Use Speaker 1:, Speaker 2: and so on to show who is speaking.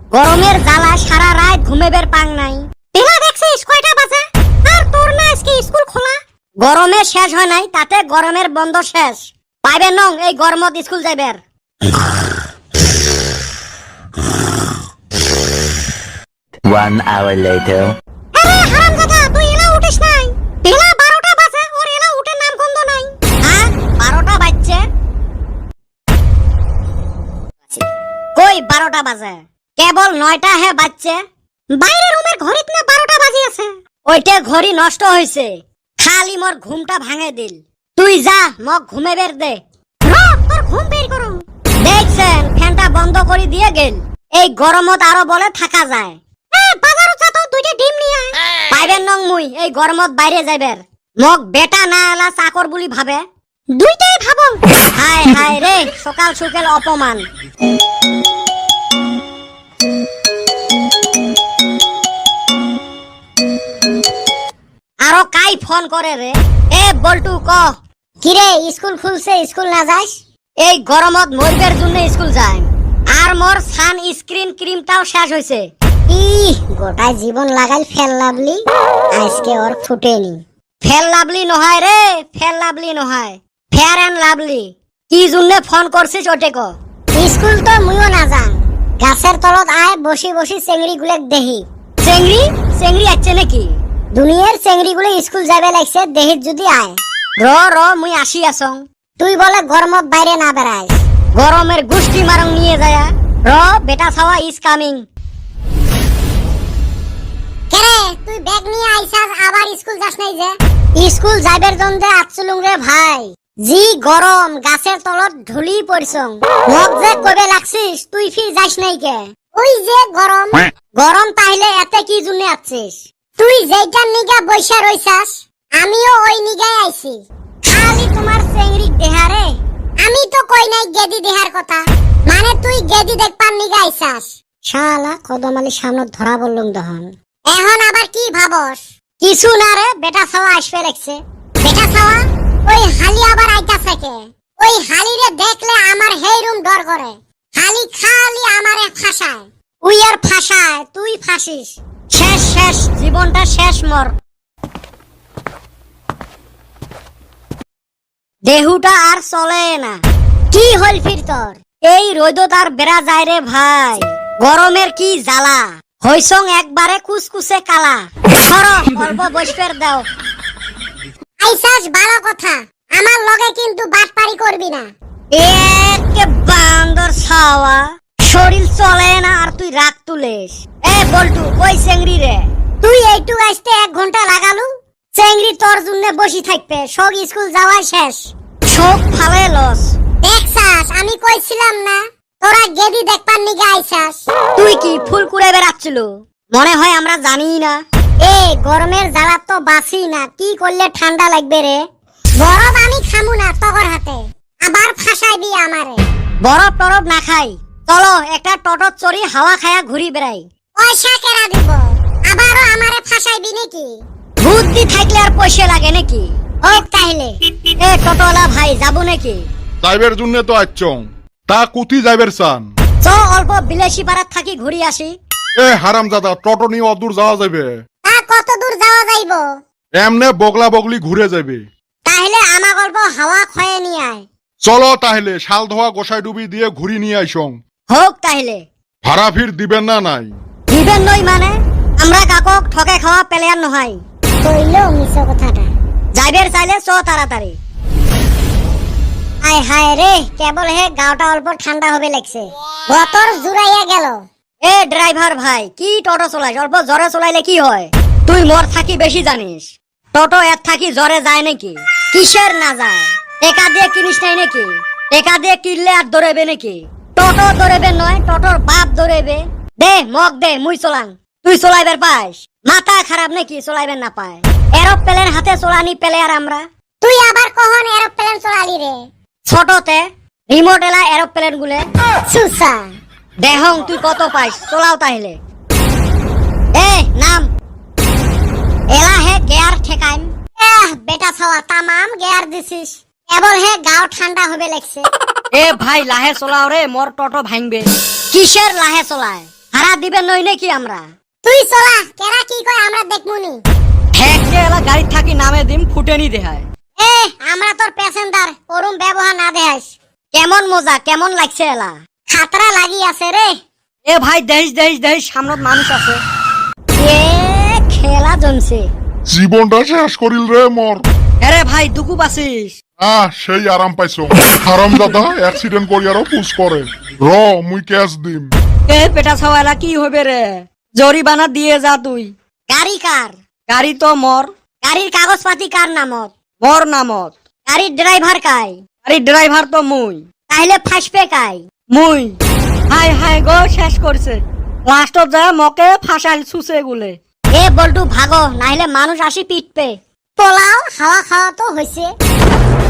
Speaker 1: গরমের জ্বালা সারা রাত ঘুমেবের পাং নাই। বেলা দেখছিস কয়টা বাজে? আর তোর না আজকে স্কুল খোলা? গরমে শেষ হয় নাই, তাতে গরমের বন্ধ শেষ। পাইবে নং এই গরমত স্কুল যাইবের।
Speaker 2: 1 hour later.
Speaker 1: আরে হারামজাদা, তুই এলা উঠিস নাই? বেলা 12টা বাজে, ওর এলা উঠে নাম গন্ধ নাই। হ্যাঁ 12টা বাজছে? কই 12টা বাজে? কেবল 9টা হে বাজছে। বাইরে রুমের ঘড়িত না 12টা বাজি আছে। ওইটা ঘড়ি নষ্ট হইছে, খালি মোর ঘুমটা ভাঙে দিল। তুই যা মক ঘুমে বের দে। তোর ঘুম বের করুম। দেখছেন ফ্যানটা বন্ধ করে দিয়ে গেল। এই গরমত আরো বলে থাকা যায়। বাজারও যা তো দুইটা ডিম নিয়ে আয়। পাইবেন নং মুই এই গরমত বাইরে যাইবের। মক বেটা না এলা চাকর বুলি ভাবে। দুইটাই ভাবো। হায় হায় রে, সকাল সকাল অপমান। আরো কাই ফোন করে রে? এ বল্টু ক কিরে স্কুল খুলছে, স্কুল না যাস? এই গরমত মরবের জন্য স্কুল যায়। আর মোর সান স্ক্রিন ক্রিমটাও শেষ হইছে। গোটা জীবন লাগাই ফেল লাভলি, আজকে ওর ফুটেনি। ফেল লাভলি নহয় রে, ফেল লাভলি নহয়, ফেয়ার এন্ড লাভলি। কি জন্য ফোন করছিস ওটে ক? স্কুল তো মুইও না যান, গাছের তলত আয় বসি বসি চেংড়ি গুলেক দেহি। চেংড়ি চেংড়ি আছে নাকি? দুনিয়ার চেংড়ি গুলো স্কুল যাবে লাগছে, দেহিত যদি আয়। র মুই আসি আসং। তুই বলে গরমত বাইরে না বেড়াইস, গরমের গুষ্টি মারং নিয়ে যায়। বেটা ছাওয়া ইজ কামিং। কেরে তুই ব্যাগ নিয়ে আইছাস, আবার স্কুল যাস নাই যে? স্কুল যাইবের জন্য আচ্ছুলুং রে ভাই। জি গরম, গাছের তলত ঢুলি পড়ছং। মক যে কবে লাগছিস, তুই ফির যাস নাই কে? ওই যে গরম। গরম তাইলে এতে কি জন্য আছিস? তুই যেইটার নিগা বইসা রইছাস, আমিও ওই নিগাই আইছি। খালি তোমার চেংড়ি দেহারে। আমি তো কই নাই গেদি দেহার কথা, মানে তুই গেদি দেখপার নিগা আইছাস। শালা কদমালি সামনে ধরা বললুম দহন। এখন আবার কি ভাবস? কিছু না রে, বেটা ছাওয়া আসবে লাগছে। বেটা ছাওয়া ওই হালি আবার আইতাছে কে? ওই হালিরে দেখলে আমার হেই রুম ডর করে। হালি খালি আমারে ফাঁসায়। উই আর ফাঁসায়, তুই ফাঁসিস। শেষ শেষ, জীবনটা শেষ মর। দেহুটা আর চলে না। কি হল ফির তোর? এই রোদত আর বেড়া যায় রে ভাই। গরমের কি জ্বালা, হইসং একবারে কুসকুসে কালা। সরো অল্প বসফের দাও। আইসাস ভালো কথা, আমার লগে কিন্তু বাটপারি করবি না। একে বান্দর ছাওয়া, শরীর চলে না আর তুই রাগ তুলেস। এ বল্টু কই চেংড়ি রে? তুই এইটু আসতে 1 ঘন্টা লাগালু। চেংড়ি তোর জন্য বসি থাকবে, সব স্কুল যাওয়া শেষ। সব ফালে লস। দেখছাস আমি কইছিলাম না, তোরা গেদি দেখপার নিগা আইছাস। তুই কি ফুল কুড়ে বেড়াচ্ছিল? মনে হয় আমরা জানি না। এ গরমের জ্বালা তো বাসি না, কি করলে ঠান্ডা লাগবে রে? বরফ আমি খামু না তগর হাতে, আবার ফাঁসাইবি আমারে। বরফ টরফ না খাই, চলো একটা টোটো চড়ি হাওয়া খায়া ঘুরি বেড়াই। পয়সা কেরা দিব? আবারও আমারে ফাঁসাইবি নাকি? বুদ্ধি থাকলে আর পয়সা লাগে নাকি? হোক তাইলে। এ টোটোলা ভাই যাবো নাকি?
Speaker 3: যাইবের জন্য তো আইছং, তা কুতি যাইবের চান?
Speaker 1: চ অল্প বিলাসী পাড়াত থাকি ঘুরি আসি।
Speaker 3: এ হারামজাদা, টোটো নিয়ে অদূর যাওয়া যাবে?
Speaker 1: তা কত দূর যাওয়া যাইব?
Speaker 3: এমনে বগলা বগলি ঘুরে যাবে।
Speaker 1: তাহলে আমার গল্প হাওয়া খয়ে নিয়ে আয়।
Speaker 3: চলো তাহলে শাল ধোয়া গোসাই ডুবি দিয়ে ঘুরি নিয়ে আইসং।
Speaker 1: হোক তাহলে।
Speaker 3: ভাড়া ফির দিবেন না নাই?
Speaker 1: দিবেন নই মানে? আমরা কাকক ঠকে খাওয়া প্লেয়ার নহাই। কইলো মিছো কথাটা। যাইবের চাইলে চ তাড়াতাড়ি। আয় হায় রে, কেবল হে গাওটা অল্প ঠান্ডা হবে লাগছে। বতর জুড়াইয়া গেল। এ ড্রাইভার ভাই, কি টোটো চলাইস? অল্প জোরে চলাইলে কি হয়? তুই মোর থাকি বেশি জানিস। টোটো এর থাকি জোরে যায় নাকি? কিসের না যায়? টেকা দিয়ে কিনিস নাই নাকি? টেকা দিয়ে কিনলে আর দৌড়াবে নাকি? টোটো দৌড়াবে নয়, টোটোর বাপ দৌড়াবে। দে মগ দে, মুই চলাং। তুই চলাইবার পাস? মাথা খারাপ নাকি চলাইবেন না পায়? এরোপ্লেন হাতে চলানি প্লেয়ার আমরা। তুই আবার কখন এরোপ্লেন চলালি রে? ছোটতে রিমোট এলা এরোপ্লেন গুলে সুসা। দেহং তুই কত পাইস, চলাও তাহলে। এ নাম। এলা হে গিয়ার ঠেকাইম। বেটা ছাওয়া তামাম গিয়ার দিছিস, কেবল হে গাও ঠান্ডা হবে লাগছে।
Speaker 4: এ ভাই লাহে চলাও রে, মোর টোটো ভাঙবে।
Speaker 1: কিসের লাহে চলায়? ভাড়া দিবেন নই নাকি আমরা?
Speaker 4: তুই চলা, কেরা কি কয় আমরা দেখমুনি।
Speaker 5: ঠেকে এলা গাড়ি থাকি নামে দিম ফুটেনি দেখায়।
Speaker 4: এ আমরা তোর প্যাসেঞ্জার, ওরম ব্যবহার না দেখাইস।
Speaker 1: কেমন মজা, কেমন লাগছে এলা?
Speaker 4: খাতরা লাগি আছে রে।
Speaker 5: এ ভাই দেহিস সামনত মানুষ আছে।
Speaker 1: এ খেলা জমছে।
Speaker 3: জীবনটা শেষ করিল রে মোর।
Speaker 5: আরে ভাই দুকু বাসিস।
Speaker 3: সেই আরাম পাইছো। হারাম দাদা অ্যাক্সিডেন্ট করিয়ারও পুশ করে। র মুই ক্যাশ দিম।
Speaker 5: এ পেটা ছাওয়া এলা কি হবে রে? জরিমানা দিয়ে যা তুই।
Speaker 1: গাড়ি কার?
Speaker 5: গাড়ি তো মর।
Speaker 1: গাড়ির কাগজপাতি কার নামত?
Speaker 5: মর নামত।
Speaker 1: গাড়ির ড্রাইভার কাই?
Speaker 5: গাড়ির ড্রাইভার তো মুই।
Speaker 1: তাইলে ফাঁসবে কাই?
Speaker 5: মুই। হাই গো শেষ করছে। লাস্টত যায় মকে ফাঁসাইল সুসে গুলে।
Speaker 1: এ বল্টু ভাগো, নাইলে মানুষ আসি পিটবে।
Speaker 4: পোলাও হাওয়া খাওয়া তো হয়েছে।